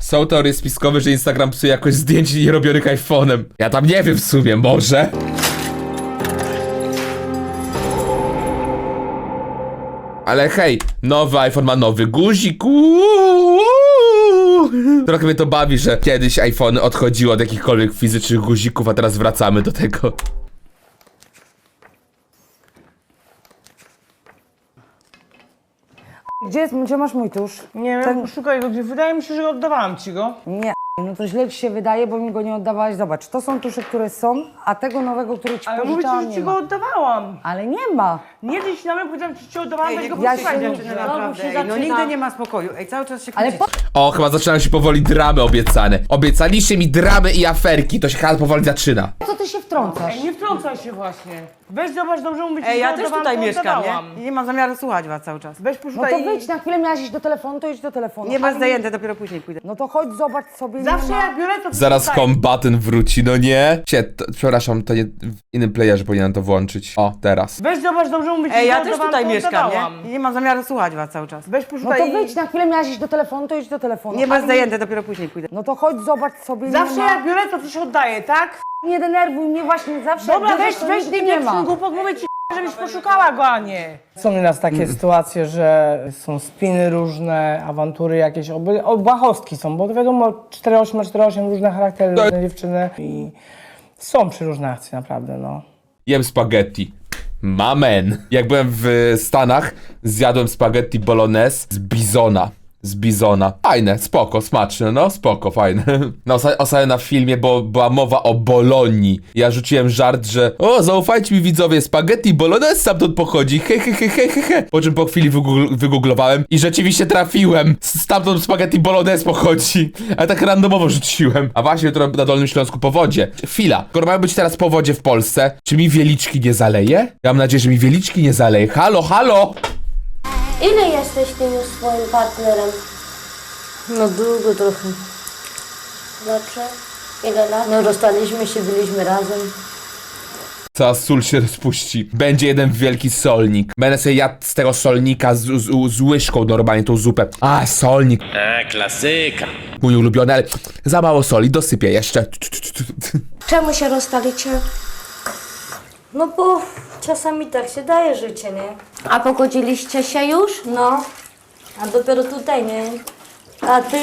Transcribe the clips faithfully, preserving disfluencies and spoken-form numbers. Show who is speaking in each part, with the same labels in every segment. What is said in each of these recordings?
Speaker 1: Są teorie spiskowe, że Instagram psuje jakoś zdjęć nierobionych iPhone'em. Ja tam nie wiem w sumie, może. Ale hej, nowy iPhone ma nowy guzik. Uuu. Trochę mnie to bawi, że kiedyś iPhony odchodziły od jakichkolwiek fizycznych guzików, a teraz wracamy do tego.
Speaker 2: Gdzie, jest, gdzie masz mój tusz?
Speaker 3: Nie wiem,
Speaker 2: Ten-
Speaker 3: szukaj go, gdzie wydaje mi się, że oddawałam ci go.
Speaker 2: Nie, no to źle ci się wydaje, bo mi go nie oddawałaś. Zobacz, to są tusze, które są, a tego nowego, który ci
Speaker 3: Ale mówię ci,
Speaker 2: pożyczałam,
Speaker 3: że
Speaker 2: nie
Speaker 3: ci
Speaker 2: ma.
Speaker 3: go oddawałam.
Speaker 2: Ale nie ma.
Speaker 3: Nie dziś na mnie powiedziałam, że ci oddawałam,
Speaker 4: Ej,
Speaker 3: weź
Speaker 4: nie
Speaker 3: go
Speaker 2: ja
Speaker 3: posłuchaj,
Speaker 2: się-
Speaker 4: dziewczyny,
Speaker 3: dziewczyna.
Speaker 4: naprawdę.
Speaker 2: się
Speaker 4: Ej, no
Speaker 2: zaczyna.
Speaker 4: nigdy nie ma spokoju. Ej, cały czas się
Speaker 2: Ale
Speaker 4: kłócicie.
Speaker 1: O, chyba zaczynają się powoli dramy obiecane. Obiecaliście mi dramy i aferki, to się chyba powoli zaczyna.
Speaker 2: Po co ty się wtrącasz?
Speaker 3: Ej, nie wtrącaj się właśnie. Weź zobacz, dobrze mówię ci,
Speaker 4: Ej,
Speaker 3: że
Speaker 4: ja też
Speaker 3: oddawałam,
Speaker 4: tutaj
Speaker 3: to
Speaker 4: mieszkam,
Speaker 3: oddawałam.
Speaker 4: nie? I nie mam zamiaru słuchać was cały czas.
Speaker 3: Weź
Speaker 2: No
Speaker 3: poszukaj
Speaker 2: to
Speaker 3: i-
Speaker 2: wyjdź na chwilę, miałaś iść do telefonu, to idź do telefonu.
Speaker 4: Nie
Speaker 2: Ale
Speaker 4: masz zajęte, dopiero później pójdę.
Speaker 2: No to chodź, zobacz sobie.
Speaker 3: Zawsze
Speaker 2: nie ma.
Speaker 3: jak biorę, to
Speaker 1: Zaraz
Speaker 3: wrzucaj.
Speaker 1: kombatent wróci, no nie? Cie, to, przepraszam, to nie w innym playerze powinienem to włączyć. O, teraz.
Speaker 3: Weź zobacz, dobrze mówię ci,
Speaker 4: Ej,
Speaker 3: że
Speaker 4: ja też
Speaker 3: oddawałam,
Speaker 4: tutaj
Speaker 3: to
Speaker 4: mieszkam,
Speaker 3: oddawałam.
Speaker 4: nie? I nie mam zamiaru słuchać was cały czas.
Speaker 3: Weź
Speaker 2: No
Speaker 3: poszukaj
Speaker 2: to
Speaker 3: i-
Speaker 2: wyjdź na chwilę, miałaś iść do telefonu, to idź do telefonu.
Speaker 4: Nie masz
Speaker 2: Ale-
Speaker 4: zajęte, dopiero później pójdę.
Speaker 2: No to chodź, zobacz sobie.
Speaker 3: Zawsze
Speaker 2: nie ma.
Speaker 3: jak biorę, to coś oddaję, tak?
Speaker 2: Nie denerwuj mnie właśnie, zawsze
Speaker 3: Dobra,
Speaker 2: jak
Speaker 3: weź,
Speaker 2: bierzesz, to
Speaker 3: weź
Speaker 2: nigdy
Speaker 3: ty
Speaker 2: nie
Speaker 3: nie
Speaker 2: ma.
Speaker 3: głupot, mówię ci, żebyś poszukała go, a nie.
Speaker 5: Są nieraz takie sytuacje, że są spiny różne, awantury jakieś, oby, obłahostki są, bo to wiadomo, cztery osiem na cztery osiem różne charaktery, różne dziewczyny i są przeróżne akcje naprawdę, no.
Speaker 1: Jem spaghetti. Mamen. Jak byłem w Stanach, zjadłem spaghetti bolognese z bizona. Z bizona. Fajne, spoko, smaczne, no spoko, fajne. No ostatnio na filmie, bo była mowa o Bolonii. Ja rzuciłem żart, że o, zaufajcie mi widzowie, spaghetti bolognese stamtąd pochodzi, he he he he he he. Po czym po chwili wygoogl- wygooglowałem i rzeczywiście trafiłem. Stamtąd spaghetti bolognese pochodzi. Ale tak randomowo rzuciłem. A właśnie jutro na Dolnym Śląsku powodzie. Chwila, skoro mają być teraz powodzie w Polsce, czy mi wieliczki nie zaleje? Ja mam nadzieję, że mi wieliczki nie zaleje. Halo, halo!
Speaker 6: Ile jesteś tym już swoim partnerem?
Speaker 7: No długo trochę.
Speaker 6: Znaczy? Ile lat?
Speaker 7: No rozstaliśmy się, byliśmy razem.
Speaker 1: Cała sól się rozpuści. Będzie jeden wielki solnik. Będę sobie jadł z tego solnika z, z, z łyżką normalnie tą zupę. A, solnik.
Speaker 8: A, klasyka.
Speaker 1: Mój ulubiony, ale za mało soli. Dosypię jeszcze.
Speaker 6: Czemu się rozstalicie?
Speaker 7: No bo czasami tak się daje życie, nie?
Speaker 6: A pogodziliście się już?
Speaker 7: No, a dopiero tutaj, nie? A ty?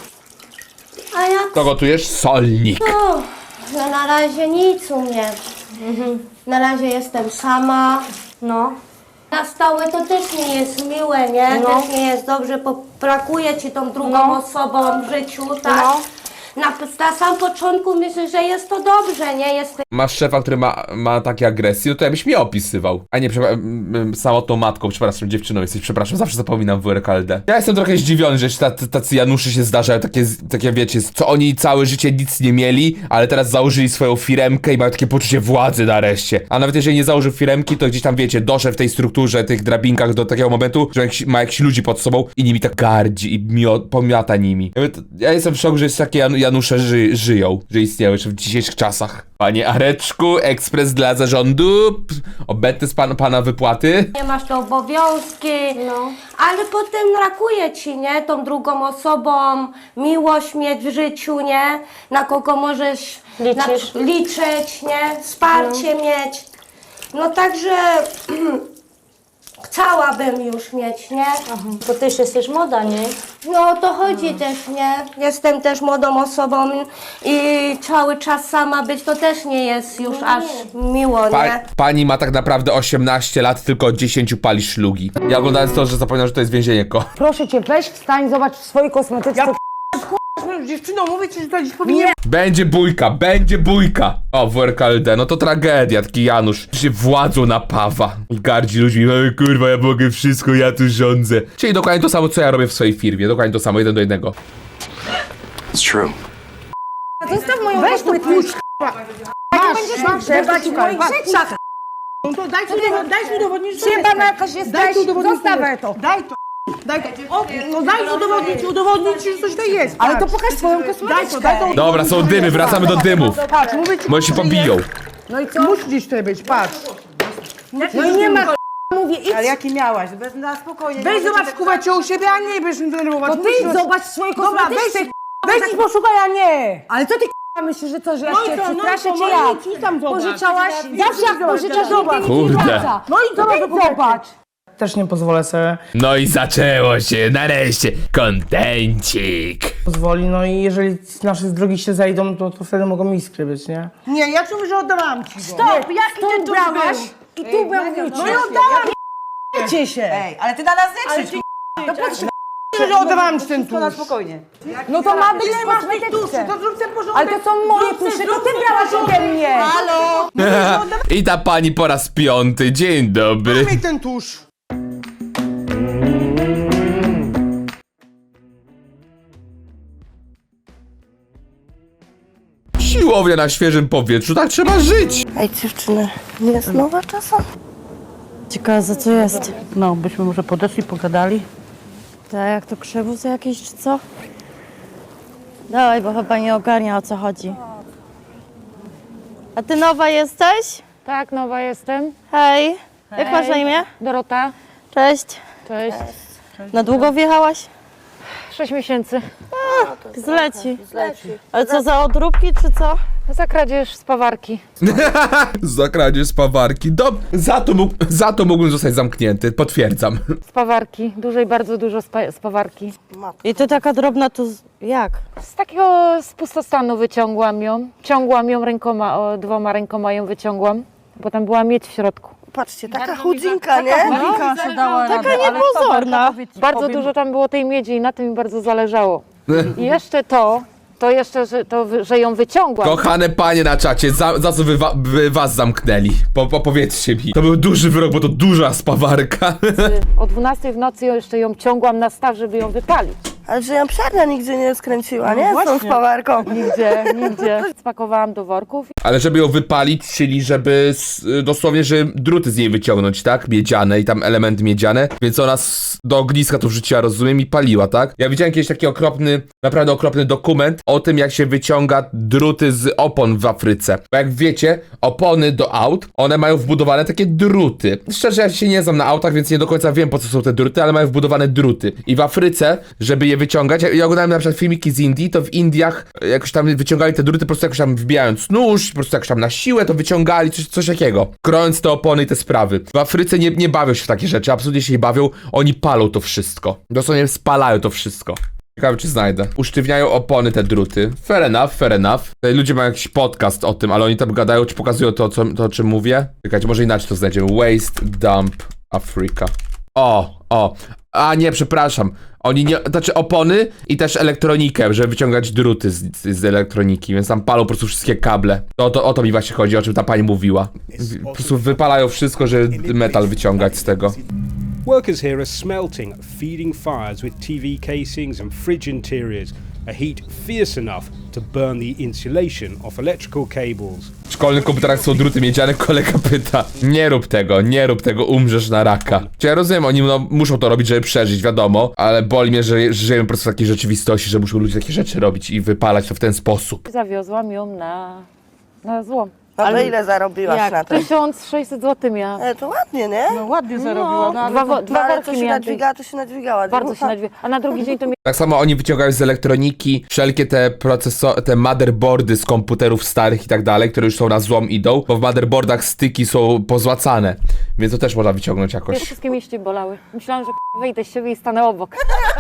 Speaker 6: A ja
Speaker 1: To gotujesz solnik.
Speaker 6: no, no na razie nic u mnie. Na razie jestem sama.
Speaker 7: No.
Speaker 6: Na stałe to też nie jest miłe, nie?
Speaker 7: No.
Speaker 6: Też nie jest dobrze, bo brakuje ci tą drugą
Speaker 7: No.
Speaker 6: osobą w życiu, tak?
Speaker 7: No.
Speaker 6: Na, na samym początku myślę, że jest to dobrze, nie? Jest
Speaker 1: Masz szefa, który ma, ma takie agresje, no to ja byś mnie opisywał. A nie, przepraszam, m- m- samotną matką, przepraszam, dziewczyną jesteś, przepraszam, zawsze zapominam w R K L D. Ja jestem trochę zdziwiony, że tacy, tacy Januszy się zdarzają, takie, takie wiecie, co oni całe życie nic nie mieli, ale teraz założyli swoją firemkę i mają takie poczucie władzy nareszcie. A nawet jeżeli nie założył firemki, to gdzieś tam, wiecie, doszedł w tej strukturze, tych drabinkach do takiego momentu, że jakiś, ma jakichś ludzi pod sobą i nimi tak gardzi i mio, pomiata nimi. Ja, mówię, to- ja jestem w szoku, że jest takie Jan, Janusze ży, żyją, że istnieją jeszcze w dzisiejszych czasach. Panie Areczku, ekspres dla zarządu, p- obetny z pan, pana wypłaty.
Speaker 6: nie masz te obowiązki,
Speaker 7: No.
Speaker 6: ale potem brakuje ci, nie? Tą drugą osobą, miłość mieć w życiu, nie? Na kogo możesz
Speaker 7: Liczysz.
Speaker 6: Na, liczyć, nie? Wsparcie mieć. No także chciałabym już mieć, nie?
Speaker 7: To też jesteś młoda, nie?
Speaker 6: No o to chodzi też, nie? Jestem też młodą osobą i cały czas sama być to też nie jest już aż miło,
Speaker 1: Pa,
Speaker 6: nie?
Speaker 1: pani ma tak naprawdę osiemnaście lat, tylko od dziesięciu pali szlugi. Ja oglądając to, że zapomniałem, że to jest więzienie ko.
Speaker 2: Proszę cię, weź wstań, zobacz w swojej kosmetyczce.
Speaker 3: Ja dziewczyną, mówię ci, że to dziś powinien...
Speaker 1: Będzie bójka, będzie bójka! O, w R K L D, no to tragedia, taki Janusz się władzą napawa i gardzi ludźmi, ej kurwa, ja mogę wszystko, ja tu rządzę. Czyli dokładnie to samo, co ja robię w swojej firmie, dokładnie to samo, jeden do jednego.
Speaker 8: It's true.
Speaker 2: Zostaw moją
Speaker 3: Weź to puść,
Speaker 2: Masz, masz,
Speaker 3: Trzeba ci
Speaker 2: w moich
Speaker 3: patrz.
Speaker 2: rzeczach.
Speaker 3: No to daj tu udowodnić, daj tu udowodnić, że to
Speaker 2: Przyjebana
Speaker 3: jest.
Speaker 2: jakaś jesteś,
Speaker 3: Daj tu udowodnić,
Speaker 2: zostaw
Speaker 3: że jest.
Speaker 2: to.
Speaker 3: Daj to, daj to. O, no daj tu udowodnić, udowodnić, że coś tutaj jest.
Speaker 2: Ale to
Speaker 3: patrz.
Speaker 2: pokaż swoją
Speaker 3: Daj to,
Speaker 2: kosmetyczkę.
Speaker 3: daj to.
Speaker 1: Dobra, są dymy, wracamy do dymów.
Speaker 3: Patrz, mówię ci,
Speaker 1: Bo się
Speaker 3: że
Speaker 1: pobiją.
Speaker 3: jest.
Speaker 2: No i co?
Speaker 3: Musi gdzieś tutaj być, patrz.
Speaker 2: No i nie ma k***a, mówię, idź.
Speaker 4: Ale jaki miałaś? Bez, na spokojnie.
Speaker 3: Weź
Speaker 4: nie
Speaker 3: zobacz
Speaker 4: możecie
Speaker 3: kubeczkę u siebie, a nie będziesz mnie denerwować.
Speaker 2: To
Speaker 3: Musisz
Speaker 2: ty
Speaker 3: roz-
Speaker 2: zobacz w swojej
Speaker 3: Dobra, weź
Speaker 2: kosmetyczce.
Speaker 3: se,
Speaker 2: k***a,
Speaker 3: Weź i poszukaj, a nie!
Speaker 2: Ale co ty k***a myślisz, że co, że ja
Speaker 3: No i
Speaker 2: cię
Speaker 3: co, no i
Speaker 2: przestraszę,
Speaker 3: co,
Speaker 2: czy
Speaker 3: no i
Speaker 2: jak?
Speaker 3: nic, tam zobacz.
Speaker 2: Pożyczałaś? Zawsze jak pożyczasz,
Speaker 3: Zobacz.
Speaker 2: nigdy nic nie
Speaker 1: Kurde.
Speaker 2: wraca.
Speaker 3: No i
Speaker 2: To
Speaker 3: co,
Speaker 2: ty zobacz.
Speaker 5: Też nie pozwolę sobie
Speaker 1: No i zaczęło się, nareszcie, kontencik.
Speaker 5: pozwoli, no i jeżeli nasze drogi się zejdą, to, to wtedy mogą iskry być, nie?
Speaker 3: Nie, ja ci mówię, że oddawałam ci go.
Speaker 2: Stop, jaki ty tu brałaś? I tu był
Speaker 3: No i oddałam, nie się.
Speaker 4: Ej, ale ty na nas nie krzycz,
Speaker 3: To patrz, że oddawałam ci ten
Speaker 4: to na
Speaker 3: tusz.
Speaker 4: spokojnie.
Speaker 2: No to ma być
Speaker 3: Ile masz tych tuszy,
Speaker 2: kosmetyczne.
Speaker 3: to zrób ten porządek.
Speaker 2: Ale to są moje
Speaker 3: Zrób ten,
Speaker 2: tusze, to
Speaker 3: zrób
Speaker 2: ty
Speaker 3: ten
Speaker 2: brałaś
Speaker 3: porządek.
Speaker 2: ode mnie.
Speaker 3: Halo?
Speaker 1: I ta pani po raz piąty, dzień dobry.
Speaker 3: Daj mi ten tusz.
Speaker 1: Siłownia na świeżym powietrzu, tak trzeba żyć.
Speaker 6: Ej, dziewczyny, nie jest nowa czasem?
Speaker 7: Ciekawe, za co jest.
Speaker 3: No, byśmy może podeszli, pogadali.
Speaker 7: Tak, jak to krzywóz jakiś, czy co? Dawaj, bo chyba nie ogarnia, o co chodzi. A ty nowa jesteś?
Speaker 9: Tak, nowa jestem.
Speaker 7: Hej. Jak masz na imię?
Speaker 9: Dorota.
Speaker 7: Cześć.
Speaker 9: Cześć.
Speaker 7: Na długo wjechałaś?
Speaker 9: Sześć miesięcy.
Speaker 7: Zleci. Ale co, za odróbki, czy co?
Speaker 9: Za kradzież z pawarki.
Speaker 1: Za kradzież z pawarki. Dob za, to mógł, za to mógłbym zostać zamknięty, potwierdzam.
Speaker 9: Z pawarki. Dużej, bardzo dużo z, pa z pawarki.
Speaker 7: I ty taka drobna, to z- jak?
Speaker 9: Z takiego z pustostanu wyciągłam ją. Ciągłam ją rękoma, o, dwoma rękoma ją wyciągłam. Bo tam była miedź w środku.
Speaker 6: Patrzcie, taka chudzinka, nie?
Speaker 7: Taka niepozorna.
Speaker 9: Bardzo dużo tam było tej miedzi i na tym mi bardzo zależało. I jeszcze to, to jeszcze, że, to, wy- że ją wyciągłam.
Speaker 1: Kochane panie na czacie, za, za co wy, wa wy was zamknęli? Po, po, powiedzcie mi. To był duży wyrok, bo to duża spawarka.
Speaker 9: O dwunastej w nocy jeszcze ją ciągłam na staw, żeby ją wypalić.
Speaker 6: Ale że ją psiarnia nigdzie nie skręciła, nie? Z tą spawarką.
Speaker 9: Nigdzie, nigdzie. Spakowałam do worków.
Speaker 1: Ale żeby ją wypalić, czyli żeby s- dosłownie, że druty z niej wyciągnąć, tak? Miedziane i tam elementy miedziane. Więc ona s- do ogniska to wrzuciła, rozumiem, i paliła, tak? Ja widziałem kiedyś taki okropny, naprawdę okropny dokument o tym, jak się wyciąga druty z opon w Afryce. Bo jak wiecie, opony do aut, one mają wbudowane takie druty. Szczerze, ja się nie znam na autach, więc nie do końca wiem, po co są te druty, ale mają wbudowane druty. I w Afryce, żeby je wyciągać, ja, ja oglądałem na przykład filmiki z Indii, to w Indiach jakoś tam wyciągali te druty, po prostu jakoś tam wbijając nóż, po prostu jakoś tam na siłę to wyciągali, coś, coś takiego. Krojąc te opony i te sprawy. W Afryce nie, nie bawią się w takie rzeczy, absolutnie się nie bawią, oni palą to wszystko. Dosłownie spalają to wszystko. Ciekawe, czy znajdę. Usztywniają opony te druty. Fair enough, fair enough. Tutaj ludzie mają jakiś podcast o tym, ale oni tam gadają, czy pokazują to, co, to o czym mówię. Czekajcie, może inaczej to znajdziemy. Waste Dump Africa. O, o. A nie, przepraszam. Oni nie, znaczy opony i też elektronikę, żeby wyciągać druty z, z, z elektroniki, więc tam palą po prostu wszystkie kable. To, to, o to mi właśnie chodzi, o czym ta pani mówiła. W- Po prostu wypalają wszystko, żeby metal wyciągać z tego.
Speaker 10: Workers here are smelting, feeding fires with T V casings and fridge interiors, a heat fierce enough to burn the insulation off electrical cables.
Speaker 1: W szkolnych komputerach są druty miedziane, kolega pyta. Nie rób tego, nie rób tego, umrzesz na raka. Czy ja rozumiem, oni no, muszą to robić, żeby przeżyć, wiadomo, ale boli mnie, że, że żyjemy po prostu w takiej rzeczywistości, że muszą ludzie takie rzeczy robić i wypalać to w ten sposób.
Speaker 9: Zawiozłam ją na, na złom.
Speaker 6: Ale ile zarobiłaś na
Speaker 9: Jak?
Speaker 6: tym?
Speaker 9: tysiąc sześćset złotych miałam.
Speaker 6: E, to ładnie, nie?
Speaker 3: No ładnie zarobiła. No, ale
Speaker 9: Dwa, wo-
Speaker 6: No
Speaker 9: dwa
Speaker 6: ale
Speaker 9: worki
Speaker 6: to się
Speaker 9: miałam.
Speaker 6: nadźwigała, to się nadźwigała.
Speaker 9: Bardzo się nadwie. A na drugi dzień to mi
Speaker 1: Tak samo oni wyciągają z elektroniki wszelkie te procesory, te motherboardy z komputerów starych i tak dalej, które już są na złom idą, bo w motherboardach styki są pozłacane, więc to też można wyciągnąć jakoś.
Speaker 9: wszystkie mięśnie bolały. Myślałam, że k***a, wyjdę z siebie i stanę obok.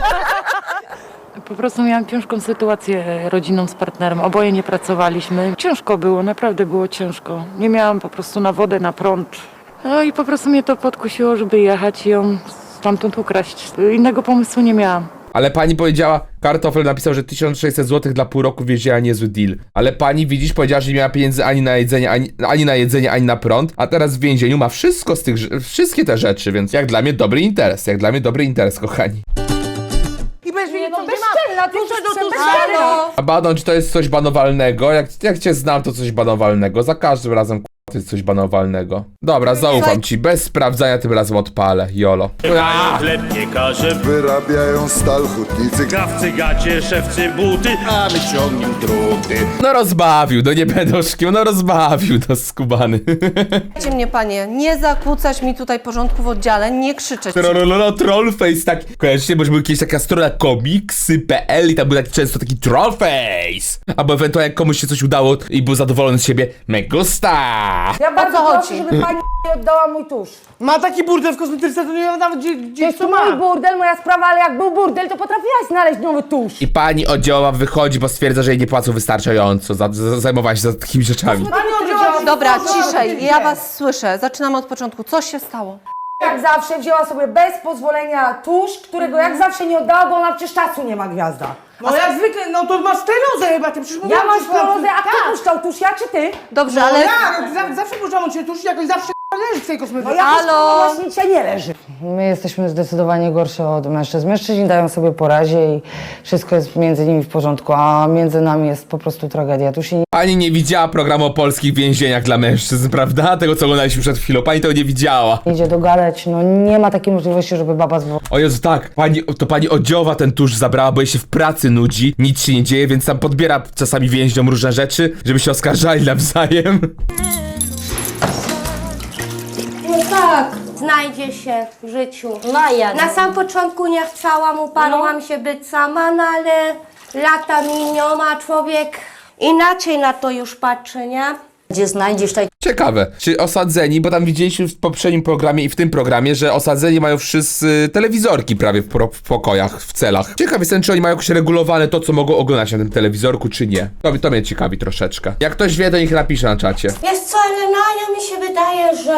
Speaker 9: Po prostu miałam ciężką sytuację rodzinną z partnerem. Oboje nie pracowaliśmy. Ciężko było, naprawdę było ciężko. Nie miałam po prostu na wodę, na prąd. No i po prostu mnie to podkusiło, żeby jechać i ją stamtąd ukraść. Innego pomysłu nie miałam.
Speaker 1: Ale pani powiedziała, Kartofel napisał, że tysiąc sześćset złotych dla pół roku wieziała niezły deal. Ale pani, widzisz, powiedziała, że nie miała pieniędzy ani na jedzenie, ani, ani na jedzenie, ani na prąd, a teraz w więzieniu ma wszystko z tych, rze- wszystkie te rzeczy, więc jak dla mnie dobry interes, jak dla mnie dobry interes, kochani.
Speaker 3: I będziesz wiedzieć, co
Speaker 2: bezczelna, ty
Speaker 3: Tusze do tusze.
Speaker 2: bezczelna.
Speaker 1: A Badon, czy to jest coś banowalnego? Jak, jak cię znam, to coś banowalnego. Za każdym razem k***a, To jest coś banowalnego. Dobra, zaufam ci. Bez sprawdzania tym razem odpalę. Jolo.
Speaker 8: Sklepniekarze,
Speaker 11: Wyrabiają stal hutnicy.
Speaker 8: krawcy, gacie, szewcy, buty.
Speaker 11: A my ciągniemy druty.
Speaker 1: No rozbawił, no nie będę oszukiwał, no rozbawił, no skubany.
Speaker 3: Słuchajcie mnie, panie, nie zakłócać mi tutaj porządku w oddziale, nie krzyczeć.
Speaker 1: Trollolo, trollface, tak. Kojarzycie, bo już był kiedyś taka strona komiksy kropka pe el i tam był taki często taki trollface. Albo ewentualnie jak komuś się coś udało i był zadowolony z siebie, me gusta.
Speaker 2: Ja bardzo
Speaker 3: co
Speaker 2: proszę,
Speaker 3: chodzi?
Speaker 2: żeby pani nie oddała mój tusz.
Speaker 5: Ma taki burdel w kosmetyczce, to nie wiem nawet gdzie,
Speaker 2: To
Speaker 5: gdzieś
Speaker 2: jest
Speaker 5: to
Speaker 2: mój
Speaker 5: ma.
Speaker 2: burdel, moja sprawa, ale jak był burdel, to potrafiłaś znaleźć nowy tusz.
Speaker 1: I pani oddziałowa wychodzi, bo stwierdza, że jej nie płacą wystarczająco. Za, za, zajmowała się za takimi rzeczami.
Speaker 5: Pani oddziała...
Speaker 3: Dobra, ciszej, ja was słyszę. Zaczynamy od początku. Co się stało?
Speaker 2: Jak zawsze wzięła sobie bez pozwolenia tusz, którego jak zawsze nie oddała, bo ona przecież czasu nie ma, gwiazda.
Speaker 5: No jak zwykle, no to masz sterozę chyba, ty przecież
Speaker 2: Ja
Speaker 5: mówiłam
Speaker 2: mam
Speaker 5: ci,
Speaker 2: sklerozę, a kto
Speaker 5: tak.
Speaker 2: puszczał tusz, ja czy ty?
Speaker 3: Dobrze,
Speaker 5: No
Speaker 3: ale...
Speaker 5: ja, za- zawsze puszczam od ciebie tuż i jakoś zawsze leży w tej
Speaker 2: No
Speaker 5: kosmetyce.
Speaker 2: ja
Speaker 3: Halo?
Speaker 2: właśnie dzisiaj nie leży. My jesteśmy zdecydowanie gorsze od mężczyzn. Mężczyźni dają sobie po razie i wszystko jest między nimi w porządku, a między nami jest po prostu tragedia. Tu się nie
Speaker 1: Pani nie widziała programu o polskich więzieniach dla mężczyzn, prawda? Tego, co oglądaliśmy przed chwilą. Pani tego nie widziała.
Speaker 2: idzie dogadać, no nie ma takiej możliwości, żeby baba zwo...
Speaker 1: O Jezu, tak. Pani, to pani oddzioła ten tusz zabrała, bo jej się w pracy nudzi. Nic się nie dzieje, więc tam podbiera czasami więźniom różne rzeczy, żeby się oskarżali nawzajem.
Speaker 6: No tak, znajdzie się w życiu.
Speaker 7: Maja.
Speaker 6: Na sam początku nie chciałam, uparłam się być sama, no ale lata miną, a człowiek inaczej na to już patrzy, nie?
Speaker 7: Gdzie znajdziesz tak
Speaker 1: Ciekawe, czy osadzeni, bo tam widzieliśmy w poprzednim programie i w tym programie, że osadzeni mają wszyscy telewizorki prawie w, pro, w pokojach, w celach. Ciekaw jestem, czy oni mają jakoś regulowane to, co mogą oglądać na tym telewizorku, czy nie. To, to mnie ciekawi troszeczkę. Jak ktoś wie, to niech napisze na czacie.
Speaker 6: Wiesz co, Elena, mi się wydaje, że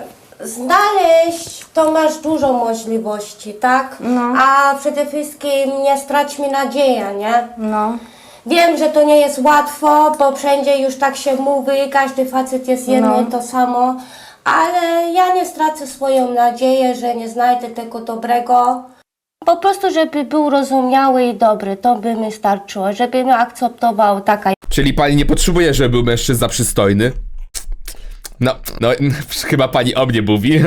Speaker 6: znaleźć to masz dużo możliwości, tak?
Speaker 2: No.
Speaker 6: A przede wszystkim nie straćmy nadziei, nie?
Speaker 2: No.
Speaker 6: Wiem, że to nie jest łatwo, bo wszędzie już tak się mówi, każdy facet jest jedno
Speaker 2: No.
Speaker 6: i to samo, ale ja nie stracę swoją nadzieję, że nie znajdę tego dobrego. Po prostu, żeby był rozumiały i dobry, to by mi starczyło, żeby mnie akceptował taka.
Speaker 1: Czyli pani nie potrzebuje, żeby był mężczyzna przystojny? No, no, chyba pani o mnie mówi.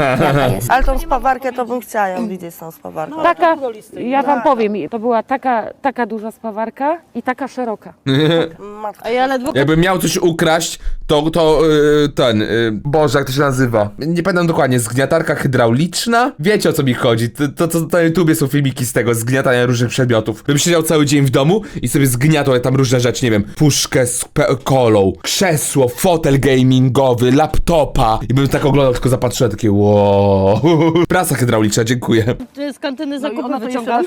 Speaker 4: Ale tą spawarkę to bym chciała ją widzieć, tą spawarkę.
Speaker 9: Taka, ja wam powiem, to była taka, taka duża spawarka i taka szeroka.
Speaker 4: A ja ledwo...
Speaker 1: Jakbym miał coś ukraść, to, to yy, ten, yy, Boże, jak to się nazywa? Nie pamiętam dokładnie, zgniatarka hydrauliczna? Wiecie, o co mi chodzi, to, to, to na YouTubie są filmiki z tego, zgniatania różnych przedmiotów. Bym siedział cały dzień w domu i sobie zgniatał tam różne rzeczy, nie wiem, puszkę z pe- kolą, krzesło, fotel gamingowy, laptopa i bym tak oglądał, tylko zapatrzyłem, takie wow. Prasa hydrauliczna, dziękuję.
Speaker 3: Ty z kantyny zakupy wyciągasz?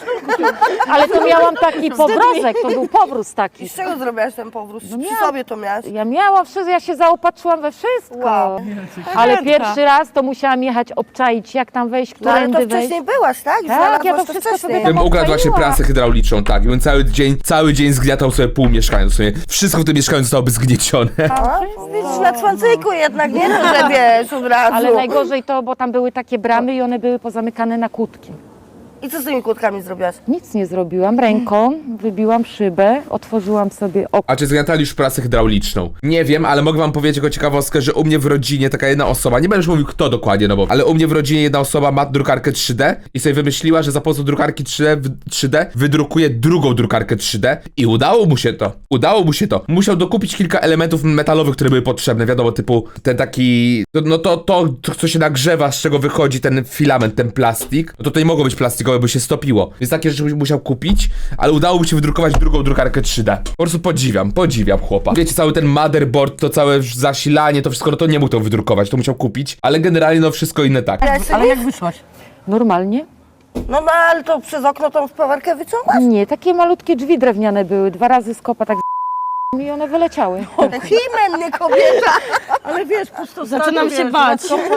Speaker 9: Ale to miałam taki powrózek, to był powróz taki.
Speaker 4: Z czego zrobiłaś ten powrót? Przy
Speaker 9: miałam-
Speaker 4: sobie to miałaś?
Speaker 9: Ja miałam wszystko, ja się zaopatrzyłam we wszystko.
Speaker 4: Wow.
Speaker 9: Ale pierwszy raz to musiałam jechać obczaić, jak tam wejść,
Speaker 4: No ale to
Speaker 9: którędy wejść.
Speaker 4: wcześniej byłaś, tak?
Speaker 9: Tak,
Speaker 4: Znalazłaś
Speaker 9: ja to wszystko
Speaker 4: wcześniej.
Speaker 9: sobie tam
Speaker 1: Bym ukradł właśnie
Speaker 9: obczaiła.
Speaker 1: prasę hydrauliczną, tak, i bym cały dzień, cały dzień zgniatał sobie pół mieszkania, w sumie wszystko w tym mieszkaniu zostałoby zgniecione.
Speaker 4: A, widzisz, na cwancyku jednak, nie no, że wiesz, od razu.
Speaker 9: Ale najgorzej to, bo tam były takie bramy i one były pozamykane na kłódki.
Speaker 4: I co z tymi kłódkami zrobiłaś?
Speaker 9: Nic nie zrobiłam, ręką wybiłam szybę, otworzyłam sobie okno.
Speaker 1: A czy zgniatali już prasę hydrauliczną? Nie wiem, ale mogę wam powiedzieć jako ciekawostkę, że u mnie w rodzinie taka jedna osoba, nie będę już mówił kto dokładnie, no bo, ale u mnie w rodzinie jedna osoba ma drukarkę trzy D i sobie wymyśliła, że za pomocą drukarki trzy D, w- trzy D wydrukuje drugą drukarkę trzy D i udało mu się to. Udało mu się to. Musiał dokupić kilka elementów metalowych, które były potrzebne, wiadomo, typu ten taki, no to, to, to co się nagrzewa, z czego wychodzi ten filament, ten plastik, no to to nie mogło być plastikowe, by się stopiło. Więc takie rzeczy musiał kupić, ale udało mu się wydrukować drugą drukarkę trzy D. Po prostu podziwiam, podziwiam chłopa. Wiecie, cały ten motherboard, to całe zasilanie, to wszystko, no to nie mógł to wydrukować, to musiał kupić, ale generalnie no wszystko inne tak.
Speaker 3: Ale jak wyszłaś?
Speaker 9: Normalnie?
Speaker 4: No no, ale to przez okno tą spawarkę wyciągasz?
Speaker 9: Nie, takie malutkie drzwi drewniane były, dwa razy z kopa tak z- i one wyleciały.
Speaker 4: Himen, nie kobieta!
Speaker 3: Ale wiesz, pusto zaczynam się bać.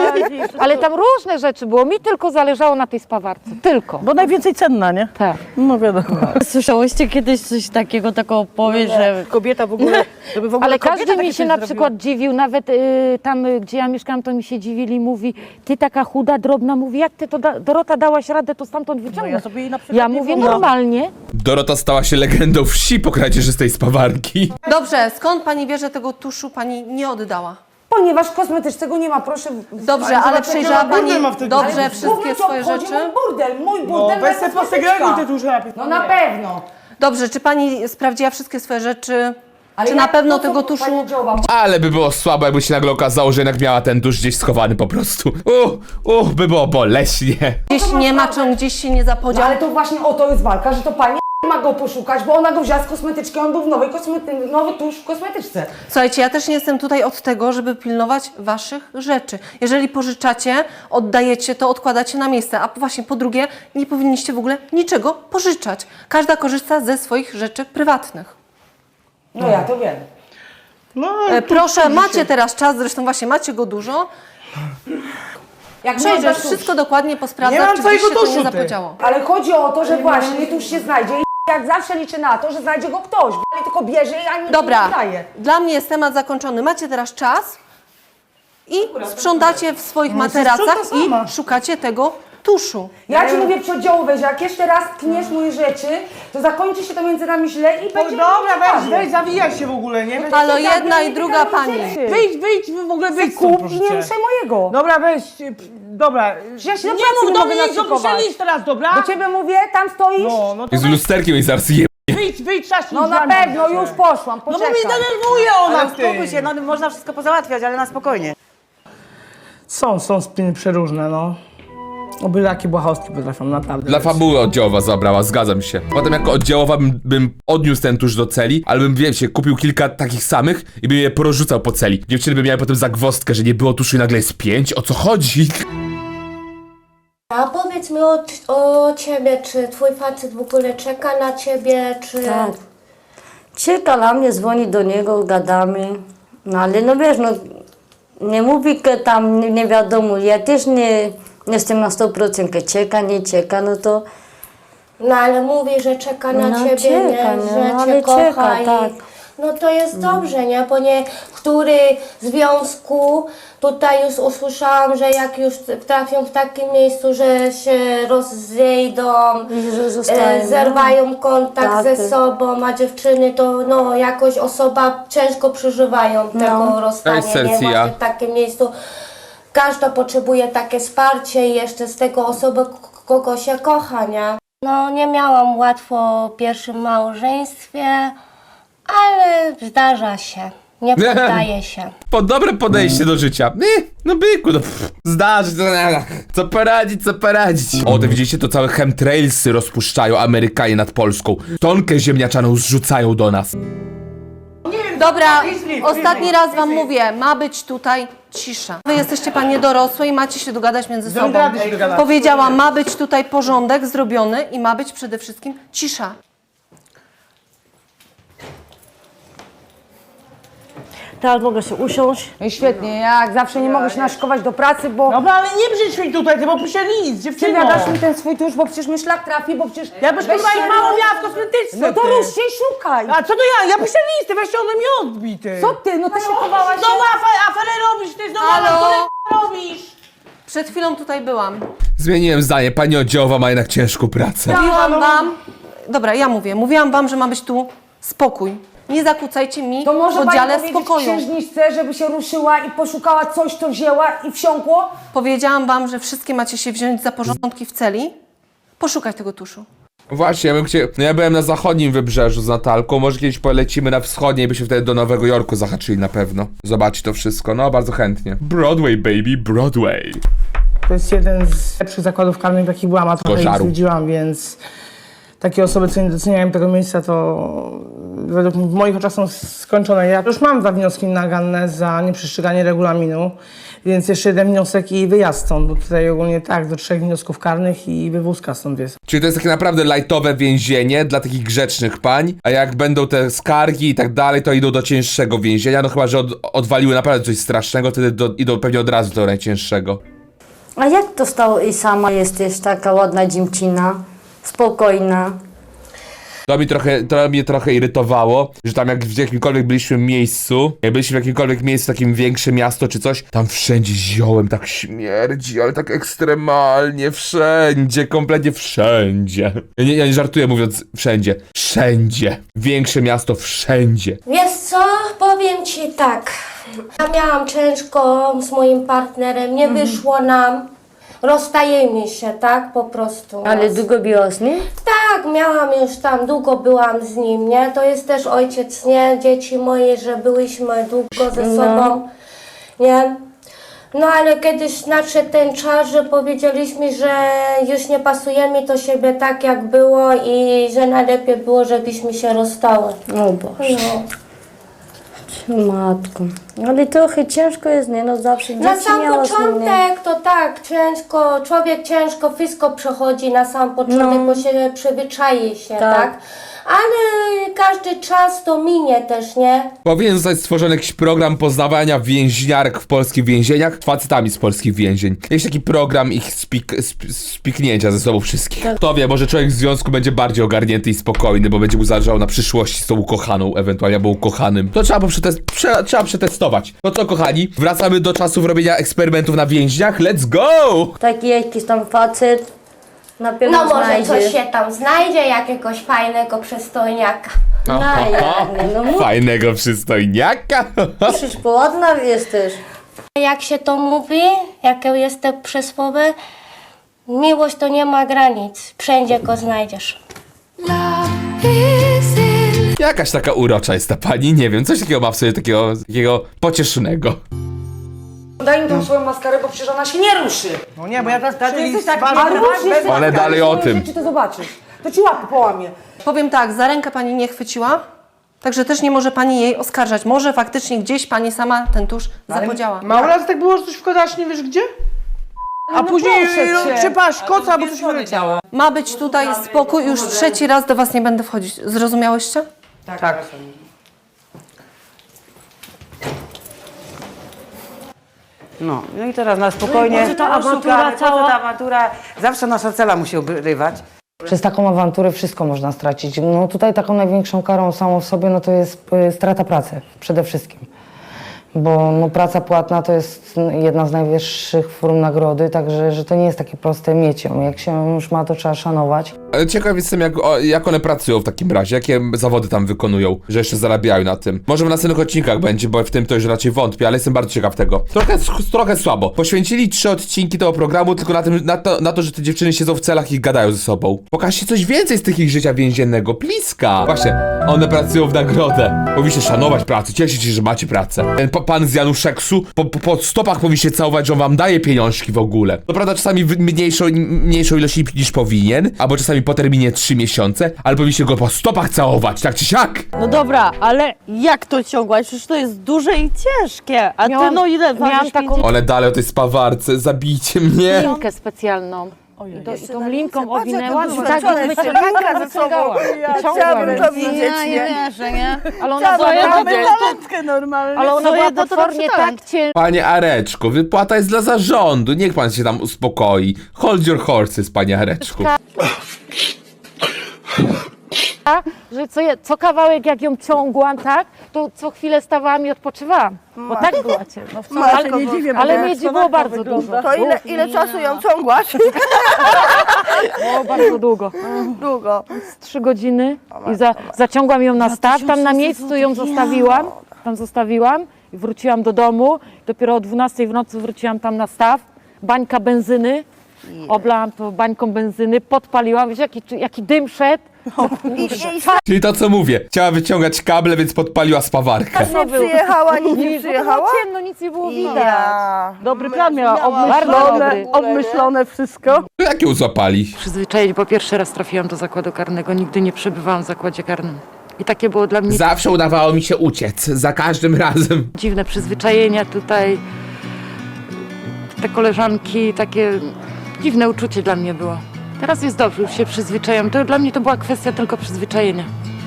Speaker 9: Ale tam różne rzeczy było, mi tylko zależało na tej spawarce, tylko.
Speaker 3: Bo najwięcej cenna, nie?
Speaker 9: Tak.
Speaker 3: No wiadomo.
Speaker 7: Słyszałyście kiedyś coś takiego, taką opowieść, że
Speaker 3: Kobieta w ogóle, żeby w ogóle
Speaker 9: Ale
Speaker 3: kobieta
Speaker 9: każdy mi
Speaker 3: takie
Speaker 9: się
Speaker 3: coś
Speaker 9: na
Speaker 3: zrobiła.
Speaker 9: przykład dziwił, nawet y, tam, y, gdzie ja mieszkałam, to mi się dziwili, mówi, ty taka chuda, drobna, mówi, jak ty to, da Dorota, dałaś radę to stamtąd
Speaker 3: No
Speaker 9: wyciągnąć?
Speaker 3: ja sobie jej na przykład
Speaker 9: Ja
Speaker 3: nie
Speaker 9: mówię
Speaker 3: wyobrażam.
Speaker 9: normalnie.
Speaker 1: Dorota stała się legendą wsi po kradzieży z tej spawarki.
Speaker 3: Dobrze, skąd pani wie, że tego tuszu pani nie oddała?
Speaker 2: Ponieważ w kosmetyczce nie ma, proszę.
Speaker 4: Dobrze, ale przejrzała
Speaker 5: burdel
Speaker 4: pani
Speaker 5: ma w tym
Speaker 4: dobrze
Speaker 5: burdelu.
Speaker 4: wszystkie swoje rzeczy?
Speaker 2: Mój burdel, mój
Speaker 5: No,
Speaker 2: burdel,
Speaker 5: weź
Speaker 2: moja
Speaker 5: sobie
Speaker 2: kosmetyczka.
Speaker 5: posegreguj te duże najpierw.
Speaker 2: No na pewno.
Speaker 4: Dobrze, czy pani sprawdziła wszystkie swoje rzeczy?
Speaker 2: Ale
Speaker 4: Czy
Speaker 2: jak
Speaker 4: na pewno
Speaker 2: to, co
Speaker 4: tego
Speaker 2: pani
Speaker 4: tuszu...
Speaker 2: działała?
Speaker 1: Ale by było słabo, jakby się nagle okazało, że jednak miała ten tusz gdzieś schowany po prostu. Uch, uch, by było boleśnie.
Speaker 4: Gdzieś nie ma, czy on gdzieś się nie
Speaker 2: No,
Speaker 4: zapodział?
Speaker 2: ale to właśnie o to jest walka, że to pani ma go poszukać, bo ona go wzięła z kosmetyczki, on był w nowej kosmety, nowy tusz w kosmetyczce.
Speaker 4: Słuchajcie, ja też nie jestem tutaj od tego, żeby pilnować waszych rzeczy. Jeżeli pożyczacie, oddajecie, to odkładacie na miejsce. A właśnie po drugie, nie powinniście w ogóle niczego pożyczać. Każda korzysta ze swoich rzeczy prywatnych.
Speaker 2: No ja to wiem.
Speaker 5: No,
Speaker 4: E,
Speaker 5: tu-
Speaker 4: proszę,
Speaker 5: tu
Speaker 4: macie
Speaker 5: się-
Speaker 4: teraz czas, zresztą właśnie macie go dużo.
Speaker 2: Jak
Speaker 4: Przejrzysz,
Speaker 2: nie oddasz
Speaker 4: wszystko
Speaker 2: tusz.
Speaker 4: dokładnie
Speaker 5: Nie
Speaker 4: posprawdzać,
Speaker 5: mam
Speaker 4: czy gdzieś
Speaker 5: twojego
Speaker 4: się to nie
Speaker 5: tuszu, ty.
Speaker 4: zapodziało.
Speaker 2: Ale chodzi o to, że właśnie tuż się znajdzie i jak zawsze liczy na to, że znajdzie go ktoś. Ale tylko bierze i ani
Speaker 4: Dobra,
Speaker 2: nie daje.
Speaker 4: dla mnie jest temat zakończony. Macie teraz czas i sprzątacie w swoich
Speaker 5: No,
Speaker 4: materacach
Speaker 5: sprząta sama.
Speaker 4: i szukacie tego tuszu.
Speaker 2: Ja ci mówię przedziałowe, że jak jeszcze raz tkniesz moje rzeczy, to zakończy się to między nami źle i
Speaker 5: O,
Speaker 2: będzie...
Speaker 5: dobra, weź,
Speaker 2: weź,
Speaker 5: weź, zawijaj się w ogóle, nie? Weź,
Speaker 4: Halo,
Speaker 2: tak,
Speaker 4: jedna
Speaker 2: nie
Speaker 4: i druga
Speaker 2: wygadaj
Speaker 4: pani.
Speaker 2: rzeczy.
Speaker 5: wyjdź, wyjdź, w ogóle wyjdź
Speaker 2: Kup
Speaker 5: stąd,
Speaker 2: i
Speaker 5: proszę
Speaker 2: nie
Speaker 5: cię.
Speaker 2: ruszaj mojego.
Speaker 5: Dobra, weź, p- dobra.
Speaker 2: Ja się do
Speaker 5: nie
Speaker 2: pracy
Speaker 5: mów
Speaker 2: nie
Speaker 5: do
Speaker 2: mogę
Speaker 5: mnie, nic,
Speaker 2: naszykować.
Speaker 5: opiszę list teraz, dobra?
Speaker 2: Do ciebie mówię, tam stoisz?
Speaker 5: No, no to
Speaker 1: Jest
Speaker 5: weź,
Speaker 1: lusterkiem i zaraz je...
Speaker 5: wyjdź, wyjdź, trzaśnij
Speaker 2: No na
Speaker 5: drzwiami,
Speaker 2: pewno,
Speaker 5: proszę.
Speaker 2: już poszłam,
Speaker 5: No bo
Speaker 2: poczekaj.
Speaker 5: mnie denerwuje ona
Speaker 3: Ale
Speaker 5: w tym.
Speaker 3: uspokój się, no można wszystko pozałatwiać, ale na spokojnie.
Speaker 5: Są, są spiny przeróżne, no. O byle jakie błahostki potrafią, naprawdę.
Speaker 1: Dla fabuły oddziałowa zabrała, zgadzam się. Potem jako oddziałowa bym, bym odniósł ten tusz do celi, ale bym, wiecie, kupił kilka takich samych i bym je porozrzucał po celi. Dziewczyny by miały potem zagwozdkę, że nie było tuszu i nagle jest pięć, o co chodzi?
Speaker 6: A powiedz mi o, o ciebie, czy twój facet w ogóle czeka na ciebie, czy...
Speaker 7: Tak. Czeka na mnie, dzwoni do niego, gadamy. No ale no wiesz, no nie mówi, że tam nie, nie wiadomo, ja też nie jestem na sto procent, że czeka, nie czeka, no to
Speaker 6: No ale mówi, że czeka na
Speaker 7: No,
Speaker 6: ciebie,
Speaker 7: czeka,
Speaker 6: nie?
Speaker 7: no,
Speaker 6: Że
Speaker 7: ale
Speaker 6: cię kocha
Speaker 7: czeka,
Speaker 6: i...
Speaker 7: tak.
Speaker 6: No to jest dobrze, nie? Bo niektóry związku, tutaj już usłyszałam, że jak już trafią w takim miejscu, że się rozejdą,
Speaker 7: że zostają,
Speaker 6: e,
Speaker 7: no.
Speaker 6: zerwają kontakt
Speaker 7: Tak,
Speaker 6: ze
Speaker 7: tak.
Speaker 6: sobą, a dziewczyny to no jakoś osoba ciężko przeżywają tego
Speaker 7: No.
Speaker 6: rozstania,
Speaker 1: Cześć,
Speaker 6: nie?
Speaker 1: Celsia.
Speaker 6: Właśnie w takim miejscu. Każda potrzebuje takie wsparcie i jeszcze z tego osoby, k- kogo się kocha, nie? No nie miałam łatwo w pierwszym małżeństwie, ale zdarza się, nie poddaję się.
Speaker 1: Po dobre podejście do życia. Nie, no byku, no pff, zdarzy, to, co poradzić, co poradzić. O, to widzicie, to całe chemtrailsy rozpuszczają Amerykanie nad Polską. Tonkę ziemniaczaną zrzucają do nas.
Speaker 4: Dobra, ostatni raz wam mówię, ma być tutaj cisza. Wy jesteście panie dorosłe i macie się dogadać między sobą.
Speaker 5: Rady się dogadać.
Speaker 4: Powiedziałam, ma być tutaj porządek zrobiony i ma być przede wszystkim cisza.
Speaker 7: teraz mogę się usiąść.
Speaker 2: No i świetnie, ja jak zawsze nie mogę się naszykować do pracy, bo
Speaker 5: Dobra, ale nie brzydź mi tutaj, ty bo piszę list, dziewczyno.
Speaker 2: przemiadasz mi ten swój tusz, bo przecież mi szlak trafi, bo przecież...
Speaker 5: Ja byś
Speaker 2: Weź
Speaker 5: chyba
Speaker 2: się-
Speaker 5: ich mało miała w kosmetyczce,
Speaker 2: No to
Speaker 5: ty.
Speaker 2: rusz się i szukaj.
Speaker 5: A co to ja? Ja piszę listy, weź się ode mnie odbij, ty.
Speaker 2: Co ty, no ty szykowałaś się...
Speaker 5: Znowu aferę, aferę robisz, ty znowu
Speaker 4: Halo?
Speaker 5: aferę robisz.
Speaker 4: Przed chwilą tutaj byłam.
Speaker 1: Zmieniłem zdanie, pani oddziałowa ma jednak ciężką pracę.
Speaker 4: Mówiłam wam... Dobra, ja mówię. Mówiłam wam, że ma być tu spokój. Nie zakłócajcie mi
Speaker 2: To
Speaker 4: w
Speaker 2: może pani
Speaker 4: oddziale
Speaker 2: powiedzieć
Speaker 4: spokoju.
Speaker 2: księżniczce, żeby się ruszyła i poszukała coś, co wzięła i wsiąkło?
Speaker 4: Powiedziałam wam, że wszystkie macie się wziąć za porządki w celi. Poszukać tego tuszu.
Speaker 1: Właśnie, ja bym chciał... No ja byłem na zachodnim wybrzeżu z Natalką, może kiedyś polecimy na wschodnie i byśmy wtedy do Nowego Jorku zahaczyli na pewno. Zobaczyć to wszystko, no bardzo chętnie. Broadway, baby, Broadway.
Speaker 5: To jest jeden z lepszych zakładów karnych, jakich byłam, a trochę ich
Speaker 1: Kożaru.
Speaker 5: zwiedziłam, więc takie osoby, co nie doceniają tego miejsca, to według w moich oczach są skończone. Ja już mam dwa wnioski naganne za nieprzestrzeganie regulaminu, więc jeszcze jeden wniosek i wyjazd stąd, bo tutaj ogólnie tak, do trzech wniosków karnych i wywózka stąd jest.
Speaker 1: Czyli to jest takie naprawdę lightowe więzienie dla takich grzecznych pań, a jak będą te skargi i tak dalej, to idą do cięższego więzienia, no chyba, że od, odwaliły naprawdę coś strasznego, wtedy do, idą pewnie od razu do najcięższego.
Speaker 7: A jak to stało i sama jesteś taka ładna dziewczyna, spokojna?
Speaker 1: To mi trochę, to mnie trochę irytowało, że tam jak w jakimkolwiek byliśmy miejscu, jak byliśmy w jakimkolwiek miejscu, takim większe miasto czy coś, tam wszędzie ziołem tak śmierdzi, ale tak ekstremalnie, wszędzie, kompletnie wszędzie. Ja nie, ja nie żartuję mówiąc wszędzie, wszędzie. Większe miasto wszędzie.
Speaker 6: Wiesz co, powiem ci tak. Ja miałam ciężko z moim partnerem, nie wyszło nam. Rozstajemy się, tak? Po prostu.
Speaker 7: Ale długo była z nim?
Speaker 6: Tak, miałam już tam, długo byłam z nim, nie? To jest też ojciec, nie? Dzieci moje, że byliśmy długo ze
Speaker 7: No.
Speaker 6: sobą, nie? No ale kiedyś nadszedł ten czas, że powiedzieliśmy, że już nie pasujemy do siebie tak jak było i że najlepiej było, żebyśmy się rozstały.
Speaker 7: O Boże.
Speaker 6: No.
Speaker 7: Matko. Ale trochę ciężko jest, nie? No zawsze dzieci
Speaker 6: Na sam
Speaker 7: miała z nim, nie?
Speaker 6: początek to tak, ciężko, człowiek ciężko wszystko przechodzi na sam początek,
Speaker 7: No.
Speaker 6: bo się przyzwyczai się,
Speaker 7: Tak.
Speaker 6: tak? Ale każdy czas to minie też, nie?
Speaker 1: Powinien zostać stworzony jakiś program poznawania więźniarek w polskich więzieniach z facetami z polskich więzień. Jakiś taki program ich spik, sp, spiknięcia ze sobą wszystkich. Kto wie, może człowiek w związku będzie bardziej ogarnięty i spokojny, bo będzie mu zależało na przyszłości z tą ukochaną, ewentualnie albo ukochanym. To trzeba, przetest, prze, trzeba przetestować. No co, kochani, wracamy do czasów robienia eksperymentów na więźniach. Let's go!
Speaker 7: Taki jakiś tam facet na pewno
Speaker 6: No może
Speaker 7: znajdzie.
Speaker 6: coś się tam znajdzie, jakiegoś fajnego przystojniaka.
Speaker 7: No jak nie, no mu-
Speaker 1: Fajnego przystojniaka.
Speaker 7: musisz poładna jesteś.
Speaker 6: Jak się to mówi, jakie jest to przysłowie, miłość to nie ma granic, wszędzie go znajdziesz.
Speaker 1: Jakaś taka urocza jest ta pani, nie wiem, coś takiego ma w sobie takiego, takiego pociesznego.
Speaker 2: Daj mi tą swoją maskarę, bo przecież ona się nie ruszy.
Speaker 3: No nie, bo ja teraz
Speaker 2: Ty jesteś tak,
Speaker 3: bardzo
Speaker 2: a rusz się
Speaker 1: Ale dalej o tym.
Speaker 2: Czy to zobaczysz? To ci łapy połamie.
Speaker 4: Powiem tak, za rękę pani nie chwyciła, także też nie może pani jej oskarżać. Może faktycznie gdzieś pani sama ten tusz zapodziała.
Speaker 3: Mało razy tak było, że coś wkładasz, nie wiesz gdzie? A później
Speaker 2: proszę cię.
Speaker 3: trzypasz koca, albo coś wyleciało.
Speaker 4: Ma być tutaj spokój, już trzeci raz do was nie będę wchodzić. Zrozumiałyście?
Speaker 3: Tak.
Speaker 12: No, no i teraz na spokojnie.
Speaker 3: Po co ta awantura
Speaker 12: Po co
Speaker 3: cała?
Speaker 12: ta awantura? Zawsze nasza cela musi obrywać.
Speaker 2: Przez taką awanturę wszystko można stracić. No tutaj taką największą karą samą w sobie no to jest y, strata pracy przede wszystkim. Bo no, praca płatna to jest jedna z najwyższych form nagrody, także że to nie jest takie proste mieć ją. Jak się już ma, to trzeba szanować.
Speaker 1: Ale ciekaw jestem, jak, o, jak one pracują w takim razie, jakie zawody tam wykonują, że jeszcze zarabiają na tym. Może w następnych odcinkach będzie, bo w tym to już raczej wątpię, ale jestem bardzo ciekaw tego. Trochę, trochę słabo. Poświęcili trzy odcinki tego programu tylko na, tym, na, to, na to, że te dziewczyny siedzą w celach i gadają ze sobą. Pokażcie coś więcej z tych ich życia więziennego, bliska. Właśnie, one pracują w nagrodę. Powinniście szanować pracę, cieszyć się, że macie pracę. Ten pa, pan z Januszeksu po, po, po stopach powinniście całować, że on wam daje pieniążki w ogóle. To prawda, czasami w mniejszą, mniejszą ilość niż powinien, albo czasami po terminie trzy miesiące, ale powinniście go po stopach całować, tak czy siak.
Speaker 3: No dobra, ale jak to ciągłaś? Przecież to jest duże i ciężkie. A
Speaker 9: Miałam-
Speaker 3: ty no ile
Speaker 9: miałam
Speaker 3: ważysz?
Speaker 9: taką-
Speaker 1: One dalej o tej spawarce, zabijcie mnie.
Speaker 9: Linkę specjalną. Do, I tą linką owinęłam i tak
Speaker 3: doświadczone
Speaker 9: wyciągałam, wyciągałam. Wyciągłam ją.
Speaker 3: widzieć,
Speaker 9: Ja nie
Speaker 3: nie?
Speaker 9: wierzę, nie? Ale ona była,
Speaker 3: Mamy
Speaker 9: ale
Speaker 3: talentkę normalnie.
Speaker 9: ona była
Speaker 3: Swoje to
Speaker 9: potwornie
Speaker 3: doczytałem.
Speaker 9: tak ciężka,
Speaker 1: Panie Areczku, wypłata jest dla zarządu, niech pan się tam uspokoi. Hold your horses, panie Areczku.
Speaker 9: że co, je, co kawałek jak ją ciągłam, tak, to co chwilę stawałam i odpoczywałam. Bo tak była ciężka. No ale,
Speaker 3: nie dziwię, bo
Speaker 9: ale
Speaker 3: jak
Speaker 9: miedzi było
Speaker 3: słoneczko
Speaker 9: bardzo
Speaker 3: wygląda.
Speaker 9: dużo.
Speaker 3: To ile, ile czasu ją ciągłaś?
Speaker 9: Było bardzo długo.
Speaker 3: Długo.
Speaker 9: Z trzy godziny i za, zaciągłam ją na staw, tam na miejscu ją zostawiłam, tam zostawiłam i wróciłam do domu. Dopiero o dwunastej w nocy wróciłam tam na staw, bańka benzyny, oblałam to bańką benzyny, podpaliłam, wiesz jaki, jaki dym szedł.
Speaker 1: Czyli to co mówię, chciała wyciągać kable, więc podpaliła spawarkę.
Speaker 3: Nie przyjechała, nic nie
Speaker 9: Bo
Speaker 3: przyjechała?
Speaker 9: było ciemno, nic nie było widać.
Speaker 3: Ja. Dobry plan miała,
Speaker 9: Bardzo
Speaker 3: obmyślone,
Speaker 9: dobry.
Speaker 3: obmyślone wszystko.
Speaker 1: To jak ją złapali?
Speaker 9: Przyzwyczaić, bo pierwszy raz trafiłam do zakładu karnego, nigdy nie przebywałam w zakładzie karnym. I takie było dla mnie
Speaker 1: Zawsze udawało mi się uciec, za każdym razem.
Speaker 9: dziwne przyzwyczajenia tutaj. Te koleżanki, takie dziwne uczucie dla mnie było. Teraz jest dobrze, już się przyzwyczajam. To dla mnie to była kwestia tylko przyzwyczajenia.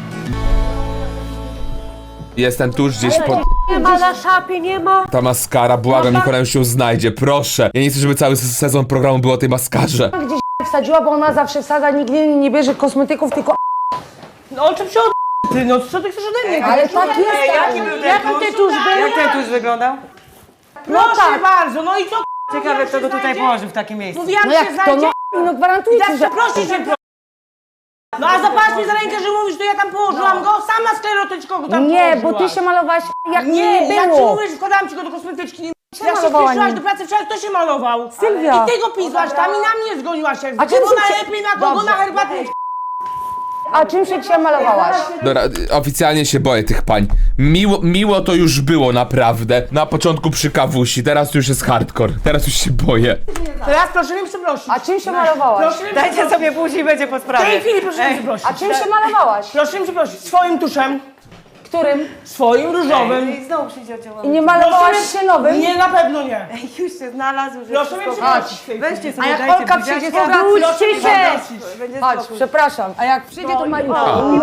Speaker 1: Jestem tuż gdzieś pod...
Speaker 3: Nie ma na szapie, nie ma.
Speaker 1: Ta maskara, błagam, niech ona już się znajdzie, proszę. Ja nie chcę, żeby cały sezon programu był o tej maskarze.
Speaker 2: Gdzieś wsadziła, bo ona zawsze wsadza, nigdy nie bierze kosmetyków, tylko
Speaker 3: No o czym się od... Ty, no co ty chcesz ode mnie?
Speaker 2: Ale tak jest,
Speaker 3: Jaki był ten
Speaker 12: Jak
Speaker 3: tusz?
Speaker 12: ty tuż był? Jak ten tuż wyglądał?
Speaker 3: Proszę bardzo, no i co?
Speaker 12: Ciekawe, kto go tutaj położył w takie miejsce.
Speaker 3: Mówiłam,
Speaker 2: No
Speaker 3: że
Speaker 2: jak
Speaker 3: się
Speaker 2: to,
Speaker 3: znajdzie.
Speaker 2: no, no gwarantuję
Speaker 3: I
Speaker 2: ci,
Speaker 3: tak
Speaker 2: że...
Speaker 3: przeprosi się, pro... No a zapatrz mi za rękę, że mówisz, to ja tam położyłam go, sama sklerotyczko go tam
Speaker 2: Nie,
Speaker 3: położyłaś.
Speaker 2: bo ty się malowałaś jak
Speaker 3: Nie,
Speaker 2: nie, nie
Speaker 3: jak ci
Speaker 2: było.
Speaker 3: mówisz, wkładałam ci go do kosmetyczki. Nie... Jak się
Speaker 2: malowała
Speaker 3: spieszyłaś
Speaker 2: nim?
Speaker 3: do pracy wczoraj, kto się malował?
Speaker 2: Sylwia.
Speaker 3: I ty go pisłaś tam i na mnie zgoniłaś jak
Speaker 2: A czym
Speaker 3: kogo
Speaker 2: się prze-
Speaker 3: najlepiej, na kogo
Speaker 2: Dobrze.
Speaker 3: na herbatę.
Speaker 2: A czym się dzisiaj malowałaś?
Speaker 1: Dobra, oficjalnie się boję tych pań. Miło, miło to już było naprawdę. Na początku przy kawusi, teraz już jest hardcore. Teraz już się boję.
Speaker 3: Teraz proszę mnie przeprosić.
Speaker 2: A czym się malowałaś?
Speaker 3: Proszę mnie
Speaker 12: Dajcie
Speaker 3: przeprosić.
Speaker 12: sobie później, będzie po
Speaker 3: W
Speaker 12: sprawie.
Speaker 3: tej chwili proszę mnie przeprosić.
Speaker 2: A czym się malowałaś?
Speaker 3: Proszę mnie przeprosić. Swoim tuszem.
Speaker 2: Którym?
Speaker 3: Swoim różowym.
Speaker 12: I znowu przyjdzie oddziałowy.
Speaker 2: I nie malowałaś się nowym?
Speaker 3: Nie, na pewno nie.
Speaker 12: Już się znalazł, że
Speaker 3: Proszę mnie przeprosić. w tej chwili.
Speaker 12: Weźcie
Speaker 2: A
Speaker 12: sobie,
Speaker 2: jak
Speaker 12: dajcie
Speaker 2: Olka
Speaker 12: buziaczka.
Speaker 2: przyjdzie, to wróćcie się!
Speaker 3: Przeprosić.
Speaker 12: Będzie
Speaker 2: Chodź,
Speaker 12: spokój.
Speaker 2: przepraszam. A jak przyjdzie, to Mariusz.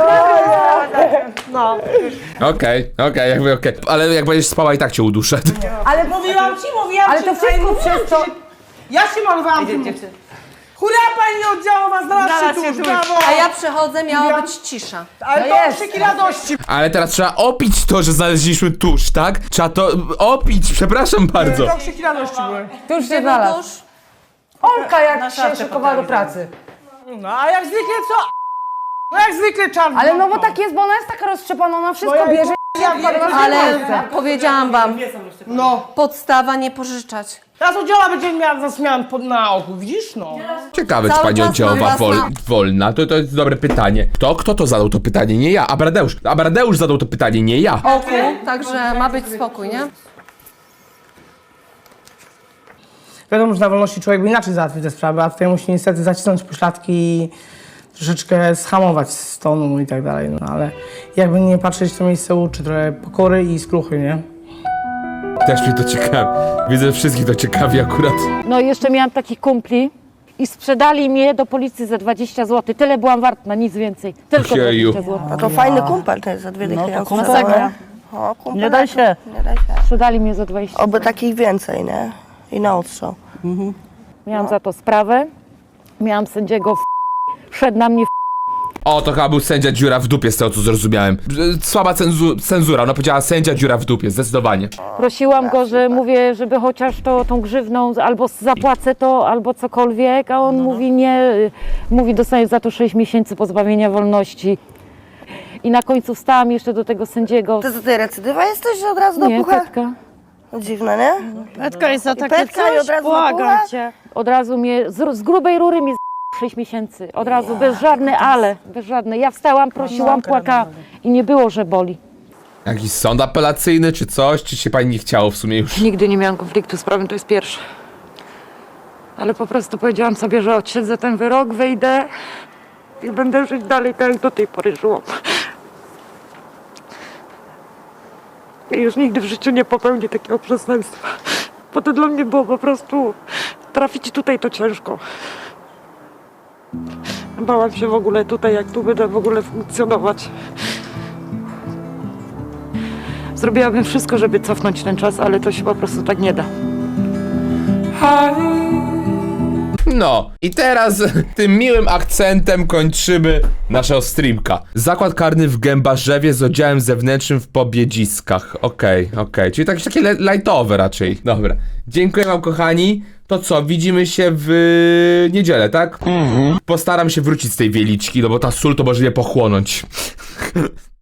Speaker 3: No.
Speaker 1: Okej, okej, jakby okej. Ale jak będziesz spała, i tak cię uduszę.
Speaker 2: Ale
Speaker 3: Mówiłam ci, mówiłam
Speaker 2: Ale
Speaker 3: ci.
Speaker 2: to wszystko
Speaker 3: mówiłam
Speaker 2: przez to...
Speaker 3: ci. Ja się malowałam tym. Hurra, pani oddziałowa, znalazł się
Speaker 12: Znalazł się
Speaker 3: tuż,
Speaker 12: tuż.
Speaker 3: brawo.
Speaker 4: A ja przychodzę, miała być cisza.
Speaker 3: Ale
Speaker 2: No
Speaker 3: to
Speaker 2: jest.
Speaker 3: krzyki radości.
Speaker 1: Ale teraz trzeba opić to, że znaleźliśmy tusz, tak? Trzeba to opić, przepraszam bardzo.
Speaker 3: To krzyki radości były.
Speaker 2: Tu już się znalazł.
Speaker 4: Otóż
Speaker 2: Olka jak
Speaker 12: Na
Speaker 2: się
Speaker 12: szafce
Speaker 2: szykowała do
Speaker 12: potrafi
Speaker 2: pracy.
Speaker 3: No a jak zwykle co? No jak zwykle czarny.
Speaker 2: Ale no bo tak jest, bo ona jest taka roztrzepana, ona wszystko
Speaker 3: ja-
Speaker 2: bierze.
Speaker 3: ja wiem,
Speaker 4: ale powiedziałam wam,
Speaker 3: No.
Speaker 4: podstawa nie pożyczać.
Speaker 3: Teraz oddziała będzie miała zasmian pod na oku, widzisz no?
Speaker 1: Ciekawe, czy
Speaker 4: Cały
Speaker 1: pani
Speaker 4: czas
Speaker 1: oddziałowa
Speaker 4: mam was
Speaker 1: wol,
Speaker 4: na-
Speaker 1: wolna. To, to jest dobre pytanie. Kto? Kto to zadał to pytanie? Nie ja. Abradeusz. Abradeusz zadał to pytanie, nie ja.
Speaker 4: Oku, także ma być spokój, nie?
Speaker 5: Wiadomo, że na wolności człowiek by inaczej załatwił te sprawy, a tutaj musi niestety zacisnąć pośladki i troszeczkę schamować z tonu i tak dalej, no ale jakby nie patrzeć, to miejsce uczy trochę pokory i skruchy, nie?
Speaker 1: Też mnie to ciekawi. Widzę, że wszystkich to ciekawi akurat.
Speaker 9: No i jeszcze miałam takich kumpli i sprzedali mnie do policji za dwadzieścia złotych. Tyle byłam warta, nic więcej. Tylko
Speaker 1: Ojeju.
Speaker 9: dwadzieścia złotych.
Speaker 3: To fajny kumpel to jest za dwie dychy. No, to
Speaker 9: Masakra.
Speaker 3: Nie daj się. Nie daj się.
Speaker 9: Sprzedali mnie za dwadzieścia.
Speaker 3: Oby takich więcej, nie? I na odstrzał.
Speaker 9: Miałam za to sprawę. Miałam sędziego w... Szedł na mnie w...
Speaker 1: O, to chyba był sędzia dziura w dupie, z tego co zrozumiałem. Słaba cenzu cenzura, ona powiedziała sędzia dziura w dupie, zdecydowanie.
Speaker 9: Prosiłam go, że mówię, żeby chociaż to tą grzywną albo zapłacę to, albo cokolwiek, a on mówi nie. y, Mówi, dostaniesz za to sześć miesięcy pozbawienia wolności. I na końcu wstałam jeszcze do tego sędziego.
Speaker 3: Ty, ty recydywa jesteś, że od razu do
Speaker 9: Nie,
Speaker 3: pucha?
Speaker 9: Petka.
Speaker 3: Dziwne, nie?
Speaker 9: Petka jest za
Speaker 3: Petka i od razu do pucha?
Speaker 9: cię. Od razu mnie, z, z grubej rury mnie z sześć miesięcy. Od razu, bez żadne ale, bez żadne. Ja wstałam, prosiłam, płakałam i nie było, że boli.
Speaker 1: Jakiś sąd apelacyjny czy coś, czy się pani nie chciało w sumie już?
Speaker 9: Nigdy nie miałam konfliktu z prawem, to jest pierwsze. Ale po prostu powiedziałam sobie, że odsiedzę ten wyrok, wyjdę i będę żyć dalej tak, jak do tej pory żyłam. I już nigdy w życiu nie popełnię takiego przestępstwa. Bo to dla mnie było po prostu... Trafić tutaj to ciężko. Bałam się w ogóle tutaj, jak tu będę w ogóle funkcjonować. Zrobiłabym wszystko, żeby cofnąć ten czas, ale to się po prostu tak nie da.
Speaker 1: No, i teraz tym miłym akcentem kończymy naszego streamka. Zakład karny w Gębarzewie z oddziałem zewnętrznym w Pobiedziskach. Okej, okay, okej, okay. Czyli takie, takie lightowe raczej. Dobra, dziękuję wam kochani. To co, widzimy się w niedzielę, tak? Mhm. Postaram się wrócić z tej wieliczki, no bo ta sól to może mnie pochłonąć.